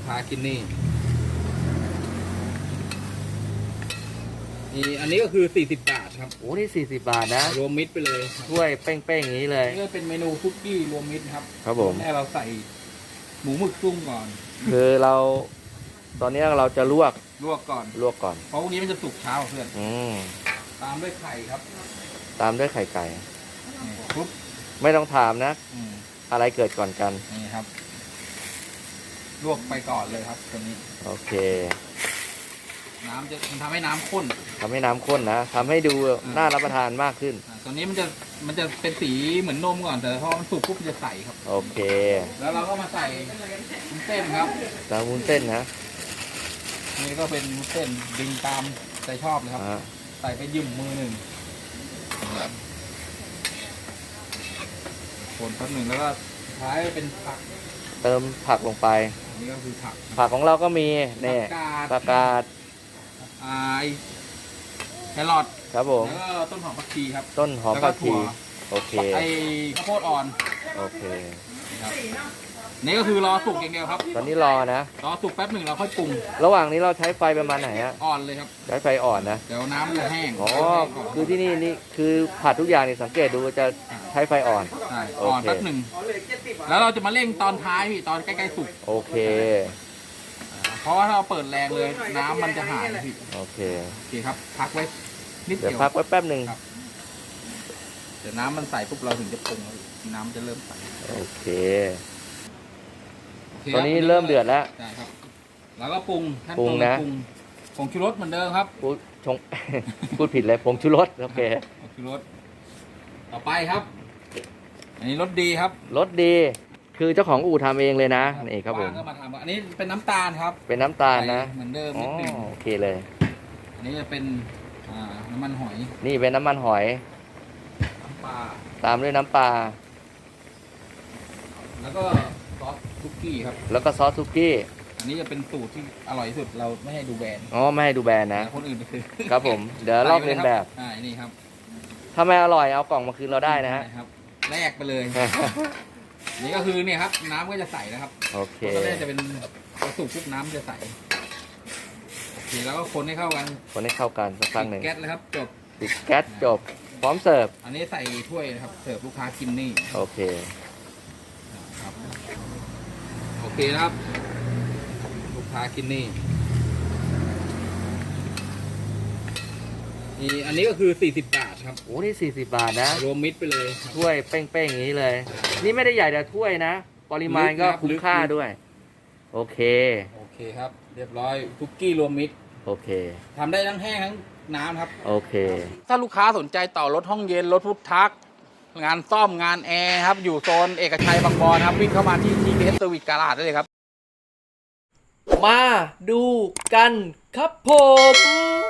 ค้ากินนี่อันนี้ก็คือ40 บาทครับโอ้นี่40 บาทนะรวมมิตรไปเลยถ้วยเป้งๆอย่างนี้เลยนี่ก็เป็นเมนูคุกกี้รวมมิตรครับครับผมแรกเราใส่หมูหมึกจุ้งก่อนคือเราตอนนี้เราจะลวกก่อนเพราะพวกนี้มันจะสุกเช้าเพื่อนตามด้วยไข่ครับตามด้วยไข่ไก่ปุ๊บไม่ต้องถามนะอะไรเกิดก่อนกันนี่ครับลวกไปก่อนเลยครับตัวนี้โอเคน้ำจะทำให้น้ำข้นนะทำให้ดูน่ารับประทานมากขึ้นตัวนี้มันจะเป็นสีเหมือนนมก่อนแต่พอมันสุกปุ๊บมันจะใสครับโอเคแล้วเราก็มาใส่วุ้นเส้นครับใส่วุ้นเส้นนะนี่ก็เป็นวุ้นเส้นดึงตามใจชอบเลยครับใส่ไปยืมมือหนึ่งคนแป๊บหนึ่งแล้วก็ท้ายเป็นผักเติมผักลงไปนี่ก็คือผักของเราก็มีเนี่ยผักกาดแครอทครับผมแล้วก็ต้นหอมผักชีครับต้นหอมผักชีโอเคข้าวโพดอ่อนโอเคครับนี่ก็คือรอสุกอย่างเดียวครับตอนนี้รอสุกแป๊บหนึ่งเราค่อยปรุงระหว่างนี้เราใช้ไฟประมาณไหนฮะอ่อนเลยครับใช้ไฟอ่อนนะเดี๋ยวน้ำจะแห้งอ๋อคือที่นี่คือผัดทุกอย่างนี่สังเกตดูจะใช้ไฟอ่อนใช่อ่อนแป๊บหนึ่งแล้วเราจะมาเร่งตอนท้ายพี่ตอนใกล้ๆสุกโอเคเพราะว่าถ้าเราเปิดแรงเลยน้ำมันจะหายพี่โอเคครับพักไว้นิดเดียวเดี๋ยวพักไว้แป๊บหนึ่งเดี๋ยวน้ำมันใสปุ๊บเราถึงจะปรุงน้ำจะเริ่มใสโอเคตอนนี้เริ่มเดือดแล้วใช่ครับแล้วก็ปรุงนะผงชูรสเหมือนเดิมครับพูดผิดเลยผงชูรสโอเคผงชูรสต่อไปครับอันนี้รสดีครับรสดีคือเจ้าของอู่ทำเองเลยนะนี่ครับผมก็มาทำอันนี้เป็นน้ำตาลครับเป็นน้ำตาลนะเหมือนเดิมนิดนึงโอเคเลยอันนี้จะเป็นน้ำมันหอยนี่เป็นน้ำมันหอยน้ำปลาตามด้วยน้ำปลาแล้วก็ซอสซุกี้ครับแล้วก็ซอสซุกี้อันนี้จะเป็นสูตรที่อร่อยที่สุดเราไม่ให้ดูแบรนด์ไม่ให้ดูแบรนด์นะคนอื่นคือครับผมเดี๋ยวลอกเลียนแบบนี่ครับถ้าไม่อร่อยเอากล่องมาคืนเราได้นะฮะแลกไปเลยนี่ก็คือเนี่ยครับน้ำก็จะใสนะครับโอเคตอนแรกจะเป็นกระสุกปุ๊บน้ำจะใสโอเคแล้วก็คนให้เข้ากันสักครั้งหนึ่งแก๊สเลยครับจบปิดแก๊สจบพร้อมเสิร์ฟอันนี้ใส่ถ้วยนะครับเสิร์ฟลูกค้ากินนี่โอเคครับโอเคนะครับลูกค้ากินนี่อันนี้ก็คือ40 บาทครับโอ้นี่40 บาทนะรวมมิตรไปเลยถ้วยเป้งๆอย่างนี้เลยนี่ไม่ได้ใหญ่แต่ถ้วยนะปริมาณก็คุ้มค่าด้วยโอเคครับเรียบร้อยคุกกี้รวมมิตรโอเคทำได้ทั้งแห้งทั้งน้ำครับโอเคถ้าลูกค้าสนใจต่อรถห้องเย็นรถพุทธักงานซ่อมงานแอร์ครับอยู่โซนเอกชัยบางบอนครับวิ่งเข้ามาที่ TBS Service Garage ได้เลยครับมาดูกันครับผม